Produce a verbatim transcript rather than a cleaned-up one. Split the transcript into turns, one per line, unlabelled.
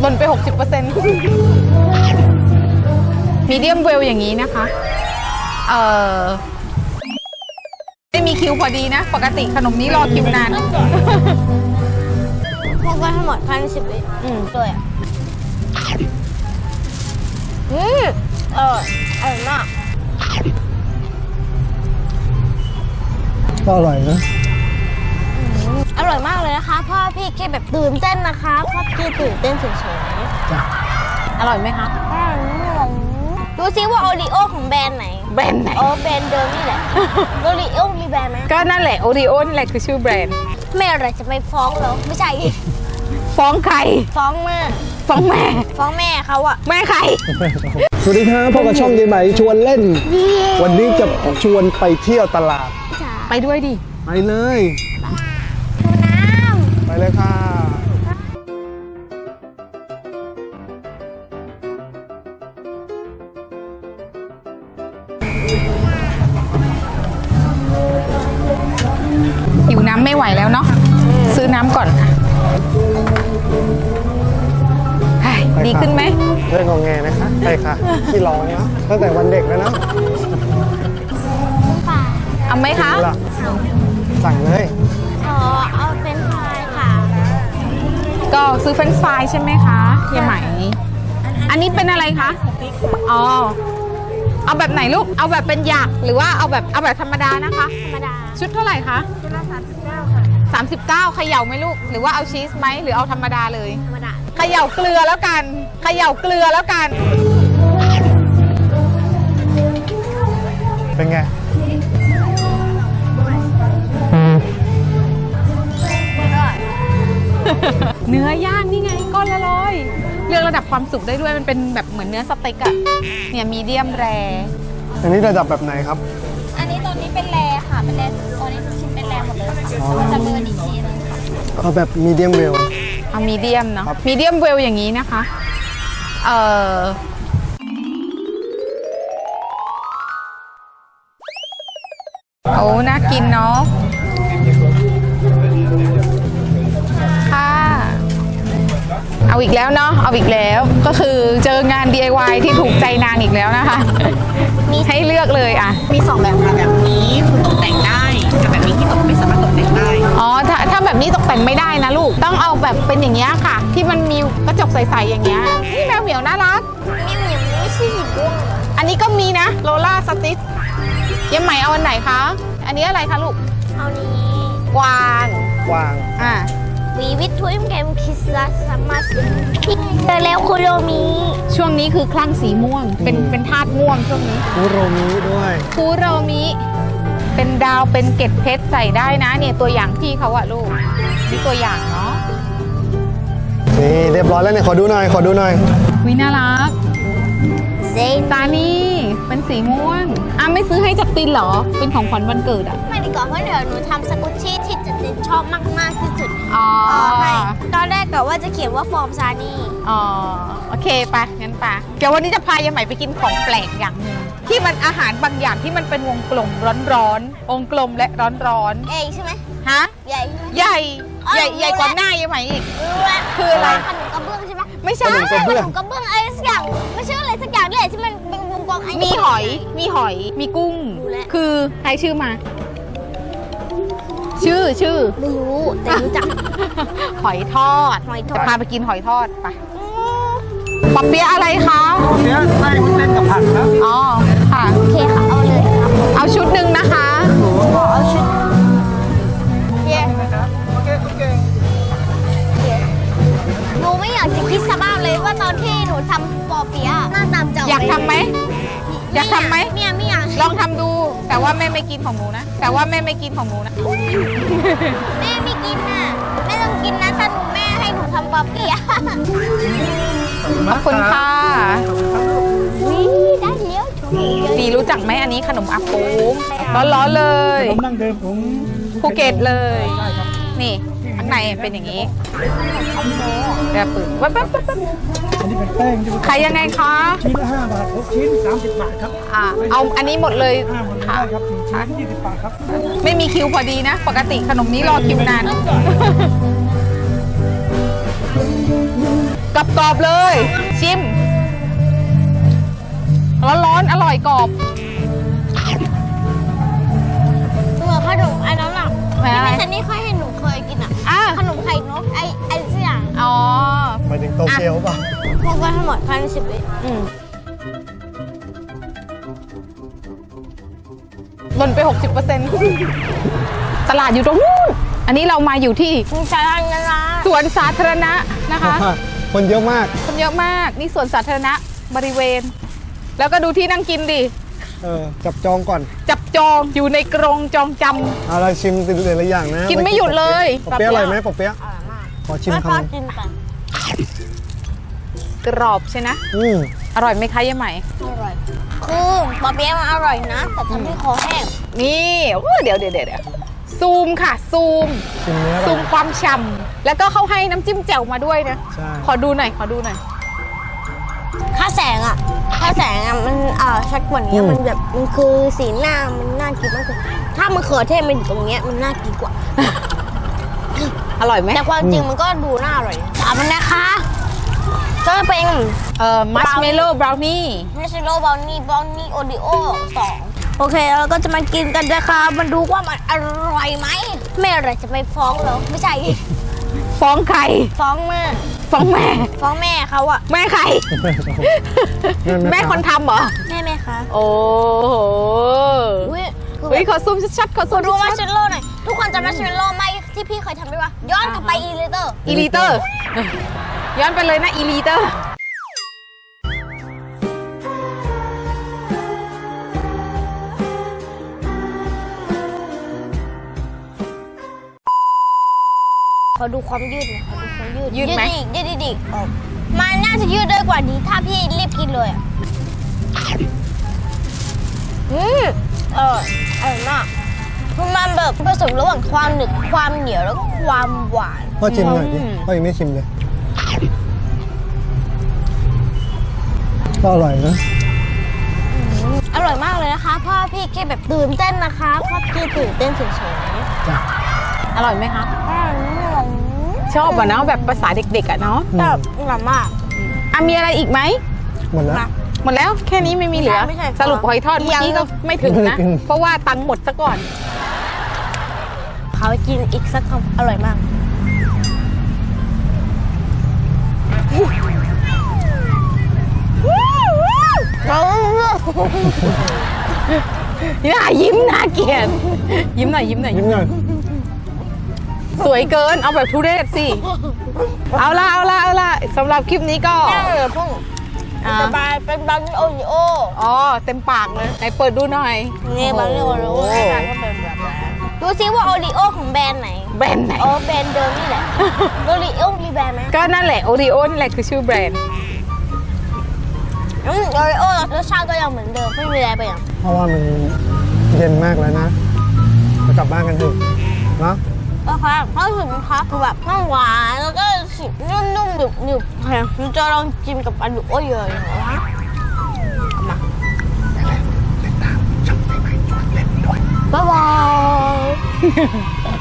หล่นไป หกสิบเปอร์เซ็นต์ มีเดียมเวลอย่างนี้นะคะ เอ่อไม่มีคิวพอดีนะ ปกติขนมนี้รอคิวนาน
พวกกันทั้งหมดพันสิบวิอืมตัวอ่ะอืมเอออร่อยมาก
ก็อร่อยนะ
อร่อยมากเลยนะคะพ่อพี่แค่แบบตื่นเต้นนะคะพ่อพี่ตื่นเต้นเฉยๆ
อร่อยไหมคะ
ดูซิว่าโอริโอของแบรนด์ไหน
แบรนด์ไหน
อ๋อแบรนด์เดิมนี่แหละโอริโอมีแบรนด์ไหม
ก็นั่นแหละโอริโอนี่แหละคือชื่อแบรนด์
แม่อะไรจะไปฟ้องเหรอไม่ใช่
ฟ้องใคร
ฟ้องแม่
ฟ้องแม่
ฟ้องแม่เขาอะ
แม่ใคร
สวัสดีครับพบกับช่องยายไหมชวนเล่นวันนี้จะชวนไปเที่ยวตลาด
ไปด้วยดิ
ไปเลย
น้ำ
ไปเลยค่ะ
หิวน้ำไม่ไหวแล้วเนาะซื้อน้ำก่อนดีขึ้นไหม
เรื่องของแงนะคะไปค่ะที่ร้อนนะตั้งแต่วันเด็กแล้วนะ
เอาไหมคะ
สั่งเลย
ขอเอาเฟรนช์ฟรายค่ะ
ก็ซื้อเฟรนช์ฟรายใช่ไหมคะเฮียไหมอันนี้เป็นอะไรคะอ๋อเอาแบบไหนลูกเอาแบบเป็นหยักหรือว่าเอาแบบเอาแบบธรรมดานะคะ
ธรรมดา
ชุดเท่าไหร่คะ
ชุดละสามสิบเก้าค่ะ
สามสิบเก้าเขย่าไหมลูกหรือว่าเอาชีสไหมหรือเอาธรรมดาเลย
ธรรมดา
เขย่าเกลือแล้วกันเขย่าเกลือแล้วกัน
เป็นไง
เนื้อย่างนี่ไงก้อนละร้อยเลือกระดับความสุกได้ด้วยมันเป็นแบบเหมือนเนื้อสเต็กอะเนี่ยมีเดียมแร
อันนี้ระดับแบบไหนครับ
อันนี้ตัวนี้เป็นแรค่ะเป็นแรตัวนี้ชิ้นเป็นแรหมดเลยจะเบอร์อีกทีนึง
เอาแบบมีเดียมเวล
เอามีเดียมเนาะมีเดียมเวลอย่างนี้นะคะเอ่อโอ้น่ากินเนาะค่ะเอาอีกแล้วเนาะเอาอีกแล้วก็คือเจองาน ดี ไอ วาย ที่ถูกใจนางอีกแล้วนะคะมีให้เลือกเลยอ่ะ
มีสองแบบค่ะแบบนี้คือตกแต่งได้กับแบบนี้ที่ตกไม่สามารถตกแต่งได้
อ๋อถ้าถ้าแบบนี้ตกแต่งไม่ได้นะลูกต้องเอาแบบเป็นอย่างเงี้ยค่ะที่มันมีกระจกใสๆอย่างเงี้ยนี่แมวเหมียวน่ารัก
แมวเหมียวไม่ใช่สีม่วง
อันนี้ก็มีนะโลล่าสติ๊กยังใหม่เอาอันไหนคะอันนี้อะไรคะลูก
เอานี้
กวาง
กวาง
อ่า
วีวิททวิมเกมคิสซัสมาสเจอแล้วคุโรมิ
ช่วงนี้คือคลั่งสีม่วงเป็นเป็นธาตุม่วงช่วงนี้
คุโรมิด้วย
คุโรมิเป็นดาวเป็นเกล็ดเพชรใส่ได้นะเนี่ยตัวอย่างพี่เขาอะลูกนี่ตัวอย่างเนาะ
นี่เรียบร้อยแล้วเนี่ยขอดูหน่อยขอดูหน่อย
วิน่ารัก
เซ
ตานี่เป็นสีม่วงอ่ะไม่ซื้อให้จักตินเหรอเป็นของขวัญวันเกิดอ่ะ
ไม่ดีกว่าเพราะเดี๋ยวหนูทำสกุชชี่ที่จักตินชอบมากๆที่สุด
อ๋อ
ให้ตอนแรกกะว่าจะเขียนว่าฟอร์มซานี่
อ๋อโอเคไปงั้นไปเดี๋ยววันนี้จะพายายใหม่ไปกินของแปลกอย่างหนึ่งที่มันอาหารบางอย่างที่มันเป็นวงกลมร้อนๆวงกลมและร้อน
ๆใหญ่ใช่ไหม
ฮะ
ใหญ่
ใหญ่ใหญ่ใหญ่กว่าหน้ายายใหม่อีกคืออะไร
ขนมกระเบื้องใช่ไหม
ไม่ใช่
ขนมกระเบื้องอะไรสักอย่างไม่ใช่อะไรสักอย่างนี่แหละที่มันเป็นวงกลม
มีหอยมีหอยมีกุ้งคือใครชื่อมาชื่อชื่อ
ไม่รู้แต่รู้จัก
หอยทอด
หอยทอด
จะพาไปกินหอยทอดไปปอเปี๊ยะอะไรคะ
ปอเปี๊ยะไส้วุ้นเส้นกับผักครับ
อ๋อค่ะ
โอเคค่ะเอาเลยครับ
เอาชุดหนึ่งนะคะ
เอาชุด
เย้โอเคโอเค
หนูไม่อยากจะคิดสภาพเลยว่าตอนที่หนูทำปอเปี๊ยะหน้าตามจะ
อยากทำไหมอยากทำไหม
เนี่ยไม่อยาก
ลองทำดูแต่ว่าแม่ไม่กินของหนูนะแต่ว่าแม่ไม่กินของหนูนะ
แม่ไม่กินน่ะแม่ต้องกินนะถ้าหนูแม่ให้หนูทำปอเปี๊ยะ
ขอบคุณค่ะ
วิได้เลี้ยว
ดีรู้จักไหมอันนี้ขนมอาปูร้อนๆเลย
ขนมดั้งเดิมของ
ภูเก็ตเลยนี่ข้างในเป็นอย่างนี้แบบปืนวับวับวับ
อันนี้เป็นแป้ง
ขายยังไงคะ
ชิ้นละห้าบาทหกชิ้นสามสิบบาทครับ
อ่าเอาอันนี้หมดเลย
ค่ะครับชิ้นยี่สิบบาทครับ
ไม่มีคิวพอดีนะปกติขนมนี้รอคิวนานกรอบๆเลย ชิม ร้อนๆอร่อยกรอบ
ตัวขนมไอ้นั้นอ่ะ
ไหนอะไร
ที่แม่ซันนี่เคยเห็นหนูเคยกินอ่ะ
อ่ะ
ขนมไข่นกไอ้ไอ้เสี่ยง
อ๋อ
หมายถึงโตเกียวป่ะ
พวกกันทั้งหมดภายในสิบวิ
อืมลดไป หกสิบเปอร์เซ็นต์ ตลาดอยู่ตรงนู้น อันนี้เรามาอยู่ที่
คุณชายนะนะ
สวนสาธารณะนะคะ
คนเยอะมาก
คนเยอะมาก นี่สวนสาธารณะบริเวณ แล้วก็ดูที่นั่งกินดิ
เออ จับจองก่อน
จับจองอยู่ในกรงจองจ
เอาเราชิมติดเลยละอย่างนะ
กินไม่หยุดเลย
ปอเปี๊ยะอร่อยไหมปอเปี๊ยะ
อร่อยมาก
ขอชิม
ไม่
คำ
พอ
หนึ่ง
กินไป
ำกรอบใช่นะ
อืม
อร่อยไหมคะยายใหม่
อร่อยคือปอเปี๊ยะมันอร่อยนะ แต่ทำให้คอแห้ง
นี่โอ้เดี๋ยวเดี๋ยวเดี๋ยวซูมค่ะ ซูม
ชิมเนื้อ
ซู
ก่อ
ม
น
ความฉ่ำแล้วก็เขาให้น้ำจิ้มแจ่วมาด้วยนะ
ใช่
ขอดูหน่อย ขอดูหน่อย
ค่าแสงอ่ะค่าแสงอ่ะมันเอ่อชัดกว่านี้มันแบบมันคือสีหน้ามันน่ากินมากเลยถ้ามะเขือเทศมันอยู่ตรงเนี้ยมันน่ากินกว่า
อร่อยไหม
แต่ความจริงมันก็ดูน่าอร่อยตามมันนะคะก็เป็น
เอ่อมัชเมลโล่บราวนี่
มิชโลบราวนี่บราวนี่โอริโอสองโอเคแล้วเราก็จะมากินกันนะคะมันดูว่ามันอร่อยไหมแม่อะไรจะไปฟ้องเหรอไม่ใช่
ฟ้องใคร
ฟ้องแม่
ฟ้องแม่
ฟ้องแม่เขาอะ
แม่ใคร แม่คนทำเหรอ
แม่แม่คะ
โอ้โห
อุ้ยคือ
เฮ้ยขอซูมชัดๆขอซู
คุ
ม
ณรู้มัช
ชัด
เมลโล่หน่อยทุกคนจำมัชเมลโล่ไหมที่พี่เคยทำไหมวะย้อนกลับไปอีเลเตอร์
ๆอีลีเตอร์ ย้อนไปเลยนะอีลีเตอร์
ขอดูความยืดหน่อยขอดูความยืด
ยืดไหม
อีกยืดอีกยืดอีกอ๋อมันน่าจะยืดได้กว่านี้ถ้าพี่รีบกินเลยอะอืมเอออร่อยมากคือมันแบบผสมระหว่างความหนึบความเหนียวแล้วก็ความหวาน
พ่อชิมหน่อยดิ
อืม
พ่อยังไม่ชิมเลย ก็อร่อยนะ
อร่อยมากเลยนะคะเพราะว่าพี่แค่แบบตื่นเต้นนะคะเพราะพี่ตื่นเต้นเฉย
จ้ะ
อร่อยไหมคะ
ๆอร่อย
ชอบอะเนาะแบบภาษาเด็กๆอะเนาะ
แต่อร่อยมาก
อ่ะมีอะไรอีกไหม
หมดแล้ว
มา
หมดแล้วแค่นี้ไม่มีเหลือ
ไม่ใช่
สรุปหอยทอดเมื่อกี้ก็ไม่ถึง
ไม่
นะ
ถึง
เพราะว่าตังค์หมดซะก่อน
เขากินอีกสักคำอร่อยมาก
น่ายิ้มน่าเกลียดยิ้มหน่อยยิ้มหน่อย
ยิ้มหน่อย
สวยเกินเอาแบบทุเรศสิ เอาละเอาละเอาละสำหรับคลิปนี้ก็
แม่เลยพุ่ง
อ่า
สบายเป็นบราวนี่โอริโอ
อ๋อเต็มปากเลยไหนเปิดดูหน่อย
นี่บราวนี่โอริโอหน้าตาก็เป็นแบบนั้นดูซิว่าโอริโอของแบรนด์ไหน
แบรนด์ไหน
โอ้แบรนด์เดิมนี่แหละ โอริโอมีแบรนด์ไหม
ก็นั่นแหละโอริโอนี่แหละคือชื่อแบรนด์
อืมโอริโอรสชาติก็ยังเหมือนเดิมไม่มีอะไรไปอย่าง
เพราะว่ามันเย็นมากแล้วนะจะกลับบ้านกันเถอะเนาะ
โอเคเพราะถึงนะคะคือแบบมันหวานแล้วก็สีนุ่มๆหนึบหนึบๆค่ะมันจะลองจิ้มกับอันดุโอเยอะๆนะคะมาบ๊ายบาย